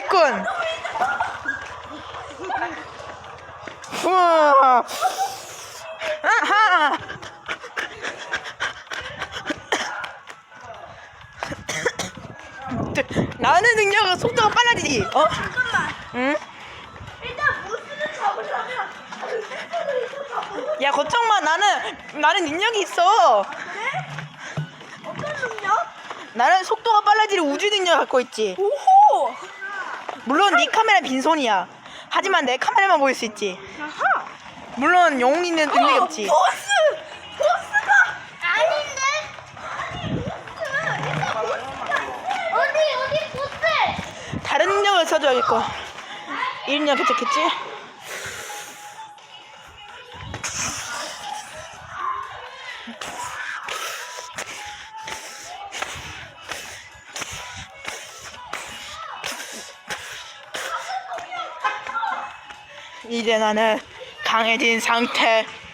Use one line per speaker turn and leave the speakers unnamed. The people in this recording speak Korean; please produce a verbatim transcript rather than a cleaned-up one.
됐군. 우와. 아하. 나는 능력은 속도가 빨라지지. 어?
잠깐만.
응?
일단 보스를 잡으려면 스태프를 있어 잡으면.
야 걱정 마. 나는 나는 능력이 있어.
그래? 어떤 능력?
나는 속도가 빨라지는 우주 능력 갖고 있지.
오호.
물론 네 카메라 빈손이야. 하지만 내 카메라만 보일 수 있지.
아하.
물론 영웅이는 능력이
어,
없지.
보스! 보스가 아닌데? 아니 보스! 일단 보스가 어디 어디 보스!
다른 능력을 써줘야겠고. 이 능력 괜찮겠지? 이제 나는 강해진 상태.